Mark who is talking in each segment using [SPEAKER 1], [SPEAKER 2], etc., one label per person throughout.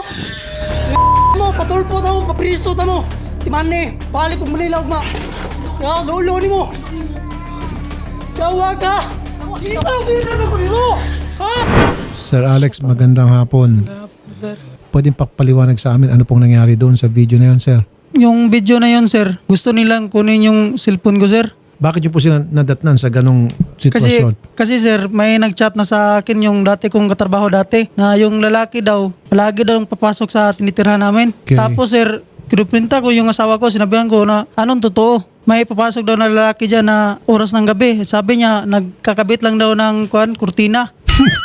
[SPEAKER 1] mo, patulpo ta mo, kapriso ta mo. Timane, balik kong malilaw ma. Ya, lolo ni mo. Yawa ka. Ikaw, na ko mo. Ha?
[SPEAKER 2] Sir Alex, magandang hapon.
[SPEAKER 1] Sir.
[SPEAKER 2] Pwedeng pakpaliwanag sa amin ano pong nangyari doon sa video na yun, sir?
[SPEAKER 1] Yung video na yun, sir, gusto nilang kunin yung cellphone ko, sir.
[SPEAKER 2] Bakit niyo po sila nadatnan sa ganong sitwasyon?
[SPEAKER 1] Kasi sir, may nag-chat na sa akin yung dati kong katrabaho dati na yung lalaki daw, palagi daw papasok sa tinitirhan namin.
[SPEAKER 2] Okay.
[SPEAKER 1] Tapos sir, kinuprinta ko yung asawa ko, sinabihan ko na anong totoo. May papasok daw na lalaki dyan na oras ng gabi. Sabi niya, nagkakabit lang daw ng kurtina.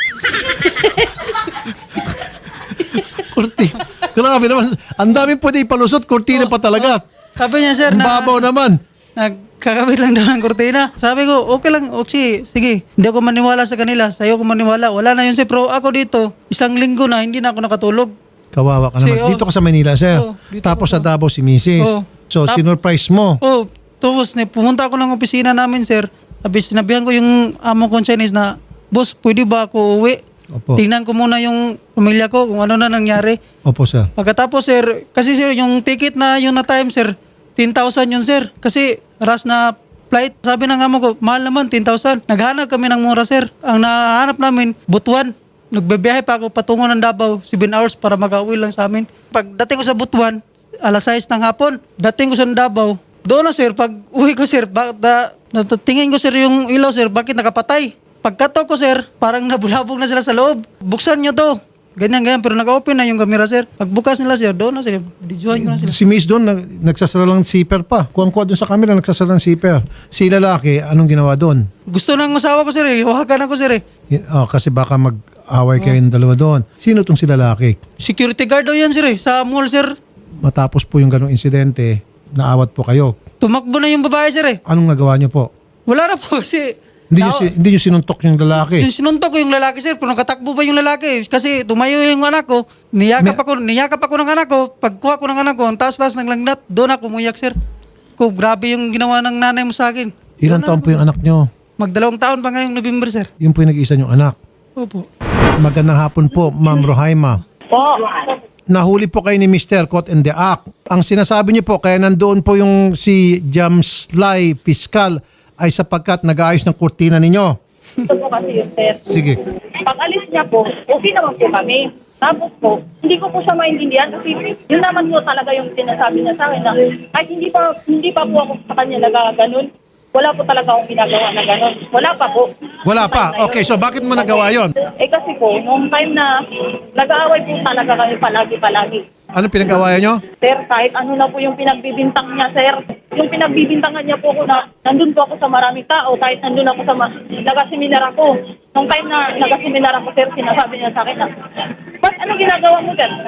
[SPEAKER 2] Kurtina. Grabe naman. Ang dami pwede ipalusot. Kurtina pa talaga.
[SPEAKER 1] Sabi niya sir
[SPEAKER 2] Ang babaw naman.
[SPEAKER 1] nagkakabit lang daw ng kurtina. Sabi ko, okay lang, okay, sige. Hindi ako maniwala sa kanila, sa'yo ako maniwala. Wala na yun sir, pero ako dito, isang linggo na, hindi na ako nakatulog.
[SPEAKER 2] Kawawa ka naman. Dito ka sa Manila, sir.
[SPEAKER 1] Dito
[SPEAKER 2] Tapos
[SPEAKER 1] ako
[SPEAKER 2] sa Davao si Mrs. So, sinurprise mo.
[SPEAKER 1] Tapos pumunta ako ng opisina namin sir. Sinabihan ko yung amo kong Chinese na, boss, pwede ba ako uwi?
[SPEAKER 2] Opo.
[SPEAKER 1] Tingnan ko muna yung pamilya ko kung ano na nangyari.
[SPEAKER 2] Opo, sir.
[SPEAKER 1] Pagkatapos sir, kasi sir, yung ticket na yun na time sir, 10,000 yun sir. Kasi ras na flight, sabi ng amo ko, mahal naman, 10,000. Naghanap kami ng mura sir. Ang nahanap namin, Butuan. Nagbebiyahe pa ako patungo ng Davao, 7 hours para makauwi lang sa amin. Pagdating ko sa Butuan, alas 6 ng hapon. Dating ko sa Davao, doon na sir, pag uwi ko sir, tingin ko sir yung ilaw sir, bakit nakapatay? Pagkato ko sir, parang nabulabog na sila sa loob. Buksan nyo to. Ganyan, pero naka-open na yung camera sir. Pagbukas nila sir, doon na sir, videohan ko na sila.
[SPEAKER 2] Si Miss doon, nagsasara lang ng zipper pa. Kuha doon sa camera, nagsasara ng zipper. Si lalaki, anong ginawa doon?
[SPEAKER 1] Gusto ng asawa ko sir eh, hawakan ako sir eh.
[SPEAKER 2] Kasi baka mag-away kayong dalawa doon. Sino tong si lalaki?
[SPEAKER 1] Security guard daw yan sir eh, sa mall sir.
[SPEAKER 2] Matapos po yung ganong insidente, naawat po kayo.
[SPEAKER 1] Tumakbo na yung babae sir eh.
[SPEAKER 2] Anong nagawa niyo po?
[SPEAKER 1] Wala na po kasi...
[SPEAKER 2] Hindi niyo sinuntok yung lalaki.
[SPEAKER 1] Sinuntok ko yung lalaki sir, pero nakatakbo pa yung lalaki. Kasi tumayo yung anak ko, niyakap ako ng anak ko. Pagkuha ko ng anak ko, ang taas-taas ng langnat, doon ako umuyak sir. Grabe yung ginawa ng nanay mo sa akin.
[SPEAKER 2] Ilang taon po yung anak niyo?
[SPEAKER 1] Mag-2 taon pa ngayong November sir.
[SPEAKER 2] Yun po yung nag-iisa niyong anak.
[SPEAKER 1] Opo.
[SPEAKER 2] Magandang hapon po, Ma'am Rohaima.
[SPEAKER 3] Po.
[SPEAKER 2] Nahuli po kayo ni Mr. Caught in the Act. Ang sinasabi niyo po, kaya nandoon po yung si Jamslay Fiscal ay sapagkat nag-aayos ng kurtina ninyo.
[SPEAKER 3] Ito po kasi yun, sir.
[SPEAKER 2] Sige.
[SPEAKER 3] Pag alis niya po, okay naman po kami. Tapos po, hindi ko po siya maintindihan kasi yun naman po talaga yung sinasabi niya sa akin na kahit hindi pa po ako sa kanya nagaganon, wala po talaga akong ginagawa na ganon. Wala pa po.
[SPEAKER 2] Wala pa. Okay, so bakit mo nagawa yon?
[SPEAKER 3] Kasi po, noong time na nag-aaway po talaga kami palagi-palagi.
[SPEAKER 2] Ano pinag-awayan nyo?
[SPEAKER 3] Sir, kahit ano na po yung pinagbibintang niya, sir. Yung pinagbibintangan niya po ko na nandun po ako sa maraming tao, kahit nandun ako sa nagaseminar ako. Nung time na nagaseminar ako, sir, sinasabi niya sa akin na, ba't ano ginagawa mo dyan?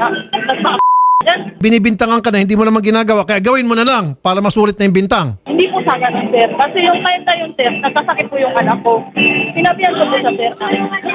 [SPEAKER 3] Dyan?
[SPEAKER 2] Binibintangan ka na, hindi mo naman ginagawa, kaya gawin mo na lang para masulit na yung bintang.
[SPEAKER 3] Hindi po sa ganun, sir. Kasi yung time na yun, sir, nagkasakit po yung anak ko. Sinabihan ko po sa sir na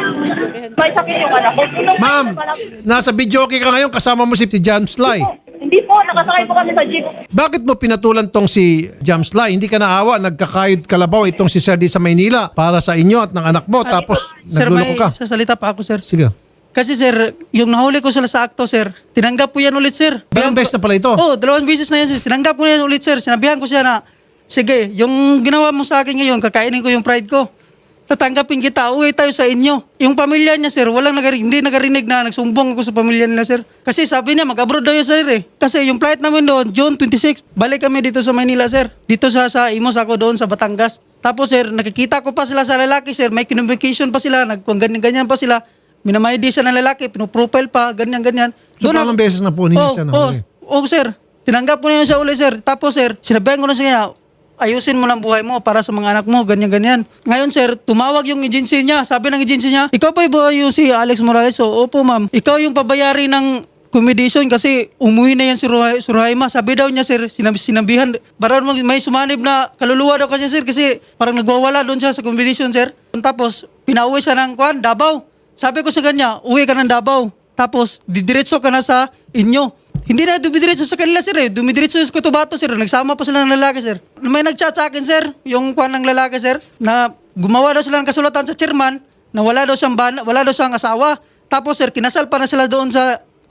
[SPEAKER 3] may sakit yung anak ko.
[SPEAKER 2] Ma'am, nasa video okay ka ngayon, kasama mo si Jamslay.
[SPEAKER 3] Hindi po, nakasakay po kami sa jeep.
[SPEAKER 2] Bakit mo pinatulan tong si Jamslay? Hindi ka naawa, nagkakayod kalabaw itong si Sir di sa Maynila para sa inyo at ng anak mo, tapos
[SPEAKER 1] Sir, may
[SPEAKER 2] nagluloko ka.
[SPEAKER 1] sasalita pa ako sir.
[SPEAKER 2] Sige.
[SPEAKER 1] Kasi sir, yung nahuli ko sila sa akto sir, tinanggap ko yan ulit sir.
[SPEAKER 2] Dalawang beses na pala ito?
[SPEAKER 1] Oo, 2 beses na yan sir. Tinanggap ko yan ulit sir. Sinabihan ko siya na, sige, yung ginawa mo sa akin ngayon, kakainin ko yung pride ko. Tatanggapin kita, uwi tayo sa inyo. Yung pamilya niya sir, hindi nagarinig na nagsumbong ako sa pamilya nila sir. Kasi sabi niya, mag-abroad daw yun sir eh. Kasi yung flight namin doon, June 26, balik kami dito sa Manila sir. Dito sa Imos ako doon sa Batangas. Tapos sir, nakikita ko pa sila sa lalaki sir, may communication pa sila, ganyan-ganyan pa sila. Minamaydi siya ng lalaki, pinuprofile pa, ganyan-ganyan.
[SPEAKER 2] So palang beses na po ninyo siya nahuli?
[SPEAKER 1] Oo, sir. Tinanggap ko na yun siya uli, sir. Tapos, sir, sinabihan ko na siya, ayusin mo lang buhay mo para sa mga anak mo, ganyan-ganyan. Ngayon, sir, tumawag yung agency niya. Sabi ng agency niya, ikaw pa yung si Alex Morales? So, opo, ma'am. Ikaw yung pabayari ng accommodation kasi umuwi na yan si Rohaima. Sabi daw niya, sir, sinabihan, parang may sumanib na kaluluwa daw kasi, sir, kasi parang nagwawala doon siya sa accommodation, sir. Tapos, pinauwi siya ng Davao. Sabi ko sa kanya, uwi ka ng Davao. Tapos, didiretso ka na sa inyo. Hindi na dumidiretso sa kanila, sir eh. Dumidiretso sa Cotabato, sir. Nagsama pa sila ng lalaki, sir. May nag-chat sa akin, sir, yung ng lalaki, sir, na gumawa daw sila ng kasulatan sa chairman na wala daw siyang asawa. Tapos, sir, kinasal pa na sila doon sa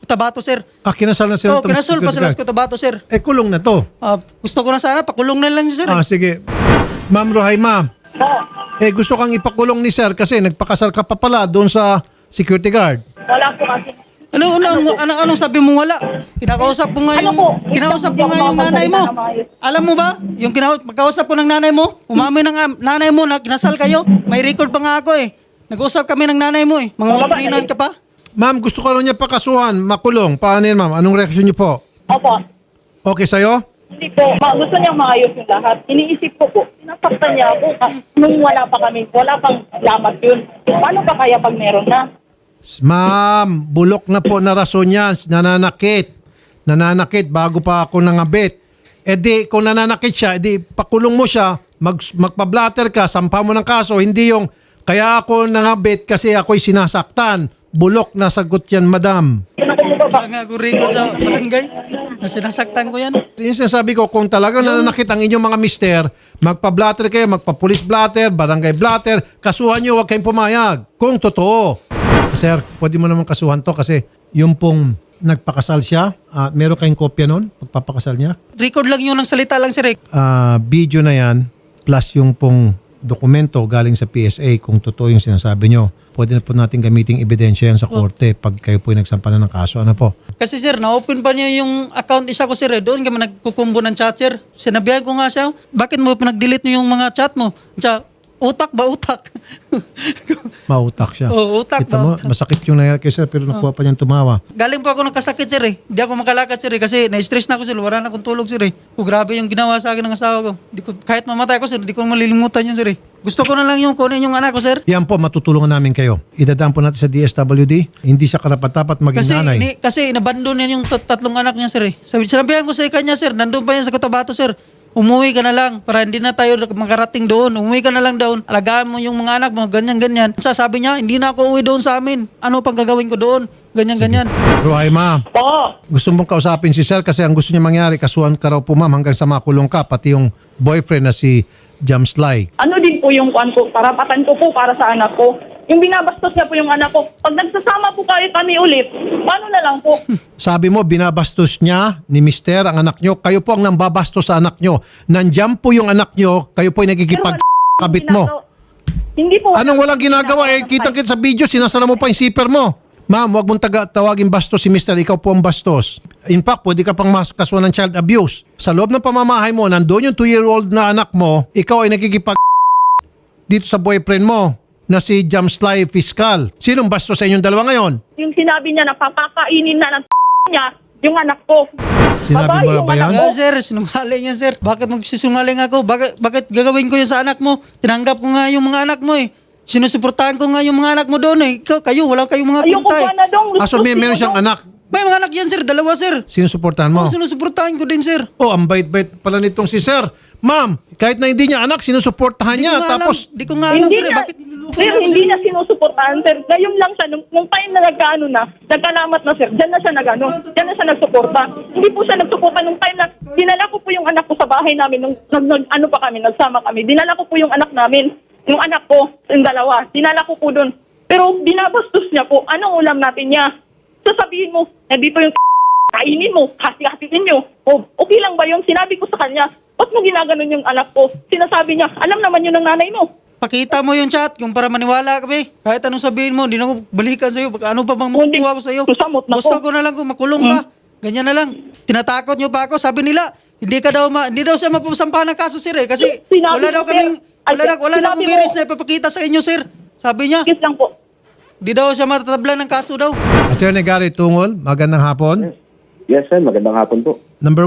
[SPEAKER 1] Cotabato, sir.
[SPEAKER 2] Kinasal na sila.
[SPEAKER 1] Oo, kinasol pa sila sa Cotabato, sir.
[SPEAKER 2] Kulong na to.
[SPEAKER 1] Gusto ko na sana, pakulong na lang siya, sir.
[SPEAKER 2] Sige. Ma'am Rohaima,
[SPEAKER 3] Oo.
[SPEAKER 2] gusto kang ipakulong ni sir kasi nagpakasal ka pa pala doon sa security guard.
[SPEAKER 3] Wala po kasi.
[SPEAKER 1] Anong sabi mo wala? Kinakausap ko nga yung, kinausap ko nga yung nanay mo. Alam mo ba? Yung pagkausap ko ng nanay mo, umamin ng nanay mo na kinasal kayo. May record pa nga ako eh. Nag-usap kami ng nanay mo eh. Mga matrinan ka pa?
[SPEAKER 2] Ma'am, gusto ko lang niya pakasuhan, makulong. Paano yan, ma'am? Anong reaksyon niyo po?
[SPEAKER 3] Opo.
[SPEAKER 2] Okay sa'yo?
[SPEAKER 3] Hindi po. Gusto niyang maayos yung lahat. Iniisip ko po, sinasaktan niya ako nung wala pa kami. Wala pang lamat yun. Paano pa kaya pag meron na?
[SPEAKER 2] Ma'am, bulok na po na rason yan. Nananakit. Nananakit bago pa ako nangabit. Kung nananakit siya, pakulong mo siya, magpa-blatter ka, sampa mo ng kaso, hindi yung, kaya ako nangabit kasi ako'y sinasaktan. Bulok na sagot yan, madam.
[SPEAKER 1] Wala nga ako record sa barangay na sinasaktan ko yan.
[SPEAKER 2] Yung sinasabi ko, kung talagang nananakit ang inyong mga mister, magpa-blatter kayo, magpa-police blatter, barangay blatter, kasuhan nyo, huwag kayong pumayag. Kung totoo. Sir, pwede mo naman kasuhan to kasi yung pong nagpakasal siya, meron kayong kopya nun, pagpapakasal niya?
[SPEAKER 1] Record lang yun ng salita lang, sir.
[SPEAKER 2] Video na yan, plus yung pong dokumento galing sa PSA kung totoo yung sinasabi nyo. Pwede na po natin gamiting ebidensya yan sa korte pag kayo po nagsampa na ng kaso. Ano po?
[SPEAKER 1] Kasi sir, na-open pa niya yung account isa ko, sir. Doon kami nagkukumbo ng chat, sir. Sinabihan ko nga siya, bakit mo pinag-delete mo yung mga chat mo? Siya, utak ba utak?
[SPEAKER 2] Mautak siya.
[SPEAKER 1] Oo, utak
[SPEAKER 2] Kita
[SPEAKER 1] ba?
[SPEAKER 2] mo, masakit yung nangyari kay sir pero nakuha pa niyang tumawa.
[SPEAKER 1] Galing po ako nagkasakit, sir eh. Hindi ako makalakad, sir eh. Kasi na-stress na ako, sir. Wala na akong tulog, sir eh. Grabe yung ginawa sa akin ng asawa ko. Kahit mamatay ako, sir, hindi ko malilimutan yun, sir eh. Gusto ko na lang yung kunin yung anak ko, sir.
[SPEAKER 2] Yan po, matutulungan namin kayo. Idadaan po natin sa DSWD. Hindi siya karapat-dapat maging nanay.
[SPEAKER 1] Kasi inabandon yan yung tatlong anak niya, sir eh. Sinabihan ko sa kanya, sir, nandun pa yan sa Cotabato, sir. Umuwi ka na lang para hindi na tayo makarating doon. Umuwi ka na lang doon. Alagaan mo yung mga anak mo, ganyan-ganyan. Sabi niya, hindi na ako uwi doon sa amin. Ano pang gagawin ko doon? Ganyan-ganyan.
[SPEAKER 2] Rohaima,
[SPEAKER 3] Oo.
[SPEAKER 2] gusto mong kausapin si sir kasi ang gusto niya mangyari, kasuhan ka raw po ma'am hanggang sa makulong ka, pati yung boyfriend na si Jamslay.
[SPEAKER 3] Ano din po yung karapatan ko po para sa anak ko. Yung binabastos niya po yung anak ko. Pag nagsasama po kami ulit, paano na lang po?
[SPEAKER 2] Sabi mo, binabastos niya ni mister ang anak nyo. Kayo po ang nambabastos sa anak nyo. Nandiyan po yung anak nyo, kayo po ay nagkikipag-kabit mo.
[SPEAKER 3] Hindi po.
[SPEAKER 2] Anong walang ginagawa? Kitang-kita sa video, sinasara mo pa yung zipper mo. Ma'am, huwag mong tawagin bastos si mister. Ikaw po ang bastos. In fact, pwede ka pang kasuhan ng child abuse. Sa loob ng pamamahay mo, nandoon yung 2-year-old na anak mo, ikaw ay nagkikipag dito sa boyfriend mo na si Jamslay Fiscal. Sinong bastos sa inyong dalawa ngayon?
[SPEAKER 3] Yung sinabi niya na papakainin na ng niya yung anak ko.
[SPEAKER 2] Sinabi mo na ba yan?
[SPEAKER 1] Wala, sir, sinungaling yan, sir. Bakit magsisungaling ako? Bakit gagawin ko yun sa anak mo? Tinanggap ko nga yung mga anak mo eh. Sinusuportahan ko nga yung mga anak mo doon eh. Kayo, wala kayong mga
[SPEAKER 3] Ayoko
[SPEAKER 1] kinta eh.
[SPEAKER 3] pa na dong.
[SPEAKER 2] So meron siyang anak.
[SPEAKER 1] May mga anak yan, sir. Dalawa, sir.
[SPEAKER 2] Sinusuportahan mo?
[SPEAKER 1] Sinusuportahan ko din, sir.
[SPEAKER 2] Oh, ang bait-bait pala nitong si sir. Ma'am, kahit na hindi niya anak, sinusuportahan niya. Tapos,
[SPEAKER 1] Di ko nga alam,
[SPEAKER 3] Hindi
[SPEAKER 1] sir.
[SPEAKER 3] na,
[SPEAKER 1] Bakit niluluko
[SPEAKER 3] sir,
[SPEAKER 1] niya ako,
[SPEAKER 3] hindi
[SPEAKER 1] sir?
[SPEAKER 3] na sinusuportahan, sir. Ngayon lang siya, nung time na nagkaano na, nagkalamat na, sir, dyan na siya dyan na siya nagsuporta. Hindi po siya nagsuporta nung time na, dinala ko po yung anak ko sa bahay namin, nung nagsama kami. Dinala ko po yung anak namin, yung anak ko, yung dalawa. Dinala ko po doon. Pero binabastos niya po, anong ulam natin niya? Sasabihin mo, dito yung kainin mo, hati-hatiin nyo. O, okay lang ba yun? Sinabi ko sa kanya, ba't mo ginaganon yung anak ko? Sinasabi niya, alam naman yun ng nanay mo.
[SPEAKER 1] Pakita mo yung chat kung para maniwala kami. Kahit anong sabihin mo, hindi na ako balikan sa'yo. Ano pa bang
[SPEAKER 3] Hindi.
[SPEAKER 1] makukuha ko sa'yo?
[SPEAKER 3] Susamot na
[SPEAKER 1] Gusto
[SPEAKER 3] ko.
[SPEAKER 1] ko na lang kung makulong ka. Ganyan na lang. Tinatakot niyo pa ako. Sabi nila, hindi daw siya mapasampahan ng kaso, sir eh. Kasi
[SPEAKER 3] Sinabi
[SPEAKER 1] wala daw
[SPEAKER 3] ko,
[SPEAKER 1] kaming,
[SPEAKER 3] sir.
[SPEAKER 1] wala na
[SPEAKER 3] Sinabi
[SPEAKER 1] akong
[SPEAKER 3] mo.
[SPEAKER 1] biris na ipapakita sa inyo, sir. Sabi niya,
[SPEAKER 3] Kiss lang po.
[SPEAKER 1] di daw siya matatablan ng kaso daw.
[SPEAKER 2] Attorney Gary Tungol, magandang hapon.
[SPEAKER 4] Yes, sir. Magandang hapon po.
[SPEAKER 2] Number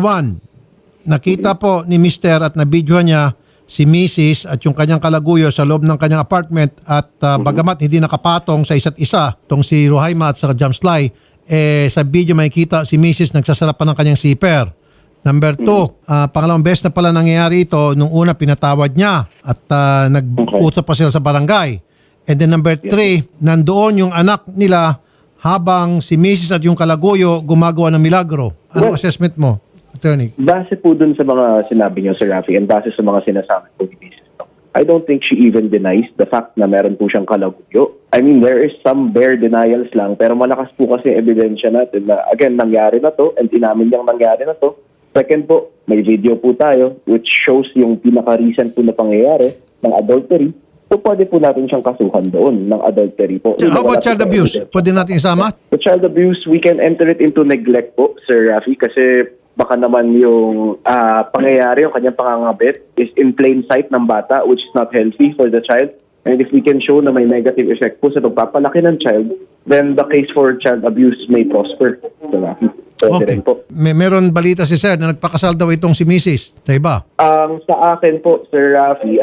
[SPEAKER 2] 1, nakita po ni Mr. at nabidyohan niya si Mrs. at yung kanyang kalaguyo sa loob ng kanyang apartment at bagamat hindi nakapatong sa isa't isa, tong si Rohaima at sa Jamslay, sa video makikita si Mrs. nagsasara pa ng kanyang zipper. Number 2, pangalawang beses na pala nangyayari ito, nung una pinatawad niya at nag-usap pa sila sa barangay. And then number 3, nandoon yung anak nila habang si Mrs. at yung kalaguyo gumagawa ng milagro. Anong assessment mo, attorney?
[SPEAKER 4] Base po dun sa mga sinabi niyo, Sir Rafi, and base sa mga sinasabi po ni Mrs. I don't think she even denies the fact na meron po siyang kalaguyo. I mean, there is some bare denials lang, pero malakas po kasi ebidensya natin na, again, nangyari na to, and inamin niyang nangyari na to. Second po, may video po tayo which shows yung pinaka-recent po na pangyayari ng adultery. So, pwede po natin siyang kasuhan doon ng adultery po.
[SPEAKER 2] How about child abuse? Pwede natin isama?
[SPEAKER 4] The child abuse, we can enter it into neglect po, Sir Rafi, kasi baka naman yung pangyayari, yung kanyang pangangabit is in plain sight ng bata, which is not healthy for the child. And if we can show na may negative effect po sa pagpapalaki ng child, then the case for child abuse may prosper. Sir Rafi. Pwede
[SPEAKER 2] Okay.
[SPEAKER 4] rin po.
[SPEAKER 2] Meron balita si Sir na nagpakasal daw itong si Mrs. Sa iba.
[SPEAKER 4] Sa akin po, Sir Rafi,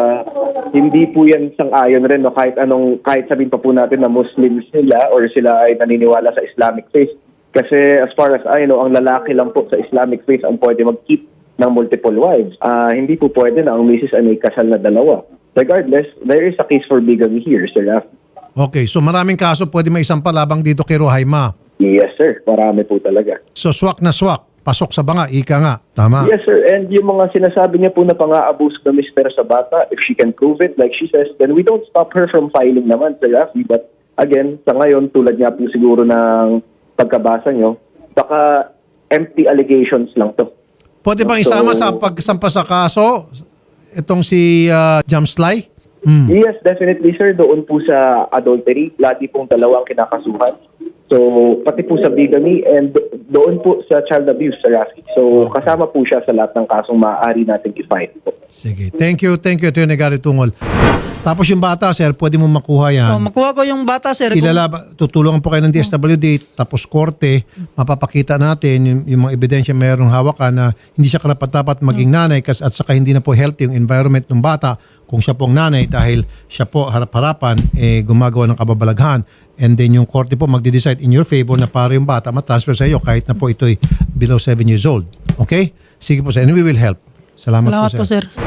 [SPEAKER 4] hindi po yan sang-ayon rin, no? Kahit sabihin pa po natin na Muslims sila or sila ay naniniwala sa Islamic faith. Kasi as far as I know, ang lalaki lang po sa Islamic faith ang pwede mag-keep ng multiple wives. Hindi po pwede na ang misis ay may kasal na dalawa. Regardless, there is a case for bigamy here, Sir Rafi.
[SPEAKER 2] Okay, so maraming kaso pwede may isang palabang dito kay Rohaima.
[SPEAKER 4] Yes, sir. Marami po talaga.
[SPEAKER 2] So swak na swak, pasok sa banga, ika nga. Tama.
[SPEAKER 4] Yes, sir. And yung mga sinasabi niya po na pang-aabuse ng mister sa bata, if she can prove it, like she says, then we don't stop her from filing naman, Sir Rafi. But again, sa ngayon, tulad niya po siguro ng pagkabasa niyo, baka empty allegations lang to.
[SPEAKER 2] Pwede bang isama sa pagsampa sa kaso itong si Jamslay?
[SPEAKER 4] Yes, definitely, sir. Doon po sa adultery, lagi pong dalawang kinakasuhan. So, pati po sa bigamy and doon po sa child abuse, Sir Rafi. So, kasama po siya sa lahat ng kasong maaari natin i-fight po.
[SPEAKER 2] Sige. Thank you, Atty. Gary Tungol. Tapos yung bata, sir, pwede mo makuha yan.
[SPEAKER 1] Makuha ko yung bata, sir.
[SPEAKER 2] Tutulungan po kayo ng DSWD, tapos korte, mapapakita natin yung mga ebidensya mayroong hawakan na hindi siya karapat-dapat maging nanay at saka hindi na po healthy yung environment ng bata kung siya po ang nanay dahil siya po harap-harapan gumagawa ng kababalaghan. And then yung korte po magde-decide in your favor na para yung bata matransfer sa iyo kahit na po ito'y below 7 years old. Okay? Sige po, sir. And we will help. Salamat
[SPEAKER 1] Salamat
[SPEAKER 2] po,
[SPEAKER 1] po, sir.